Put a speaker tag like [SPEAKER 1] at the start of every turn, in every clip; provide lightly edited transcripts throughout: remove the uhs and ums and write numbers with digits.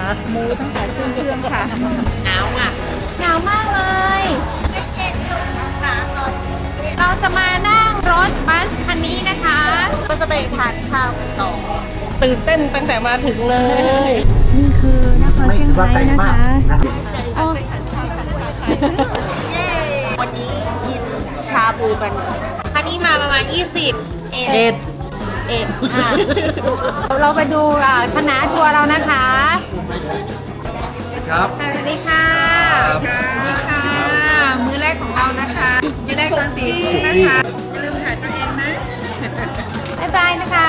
[SPEAKER 1] หมูตั้งแต่ขึ้นเครื่องค่ะ
[SPEAKER 2] หนาวอ่ะ
[SPEAKER 3] หนาวมากเลย เราจะมานั่งรถบัสคันนี้นะคะ
[SPEAKER 2] ก็จะไปทานข้าวกันต่อ
[SPEAKER 1] ตื่นเต้นตั้งแต่มาถึงเลย
[SPEAKER 3] นี่คือนครเชียงรายนะคะอ๋อ
[SPEAKER 2] เย้ วันนี้กินชาบูกันอันนี้มาประมาณ 20
[SPEAKER 1] เอ็ด
[SPEAKER 2] เอ็ด
[SPEAKER 3] เราไปดูคณะทัวร์เรานะคะ
[SPEAKER 4] ครับ
[SPEAKER 3] สวัสดีค่ะ
[SPEAKER 4] ครับ
[SPEAKER 3] สวัสดีค่ะ มื้อแรกของเรานะคะมื้อแรกตอน4 ทุ่มนะคะ อย่าลืมถ่ายตัวเองนะ บ๊ายบายนะคะ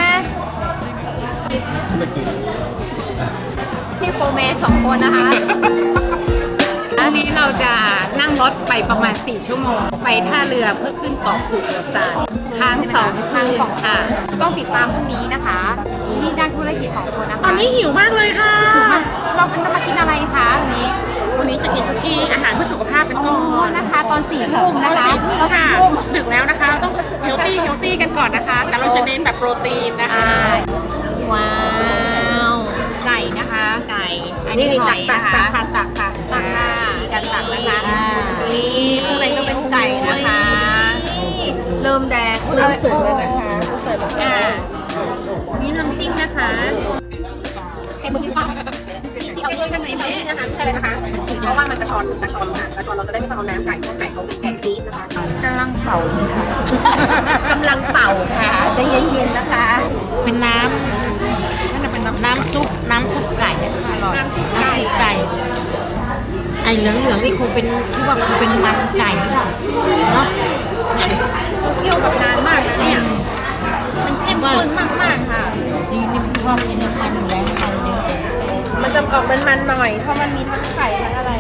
[SPEAKER 3] พี่โฟร์แมน2 คนนะคะ
[SPEAKER 5] วันนี้เราจะนั่งรถไปประมาณ 4 ชั่วโมง ไปท่าเรือเพื่อขึ้นเกาะกูดซานค้าง2 คืนค่ะ
[SPEAKER 3] ต้องติดตามพรุ่งนี้นะคะนี่นักธุรกิจ2 คนนะคะ
[SPEAKER 5] ตอนนี้หิวมากเลยค่ะ
[SPEAKER 3] เราจะมากินอะไรคะวันนี้
[SPEAKER 5] วันนี้จะกินสุกี้อาหารเพื่อสุขภาพเป็นก่อน
[SPEAKER 3] นะคะ ตอน4 ทุ่มนะคะ
[SPEAKER 5] ค่ะดึกแล้วนะคะ ต้องเฮลตี้กันก่อนนะคะ แต่เราจะเน้นแบบโปรตีนนะคะ
[SPEAKER 3] ว้าว ไก่นะคะ ไก่ อันนี้ห
[SPEAKER 5] ตั
[SPEAKER 3] อย
[SPEAKER 5] ตั
[SPEAKER 3] นะคะ
[SPEAKER 5] ตักค่ะตักค่ะ
[SPEAKER 3] ตักค่ะ
[SPEAKER 5] มีการตักนะคะนี่ข้างในก็เป็นไก่นะคะ เริ่มแดงเริ่มสุกแล้วนะคะเสิร์ฟแล้วค่ะ
[SPEAKER 3] นี่น้ำจิ้มนะคะไก่บุ้งปังเอาด้วยกันไหนไหม
[SPEAKER 5] นี่นะคะใช่เลยนะคะเพราะว่ามันกระชอนเราจะได้ไม่ต้องเอาน้ำไก่เพราะไก่เขาเป็นไก่ซีดนะคะ
[SPEAKER 3] กำลังเผาเลยค่ะ
[SPEAKER 5] กำลังเป่าค่ะจะเย็นๆนะคะ
[SPEAKER 2] เป็นน้ำนั่นเป็นน้ำซุปไก่อร่อย
[SPEAKER 3] น้ำซุปไก่
[SPEAKER 2] ไอ้เหลืองๆนี่คงเป็นคิดว่าคงเป็นมันไก่หรือเปล่าเนาะ
[SPEAKER 3] เราเคี่ยวแบบนานมากนะเนี่ย มันเข้มข้นมากๆค่ะ
[SPEAKER 2] จริงนี่ชอบกินน้ำมันอยู่แล้วมันเยอะ
[SPEAKER 1] มันจะออกมันๆหน่อย เพราะมันมีทั้งไข่ทั้งอะไร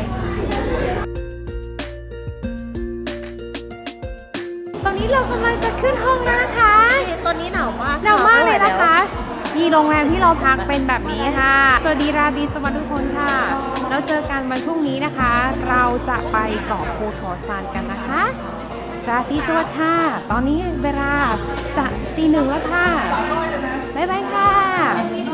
[SPEAKER 3] ตอนนี้เรากำลังจะขึ้นห้องแล้วนะคะ
[SPEAKER 2] ตอนนี้หนาวมาก
[SPEAKER 3] หนาวมากเลยนะคะที่โรงแรมที่เราพักเป็นแบบนี้ค่ะ สวัสดีราตรีสวัสดีทุกคนค่ะ แล้วเจอกันวันพรุ่งนี้นะคะ เราจะไปเกาะภูชอซานกันนะคะราตรีสวัสดิ์ค่ะ ตอนนี้เวลาจะตี 1แล้วค่ะ บ๊ายบายค่ะ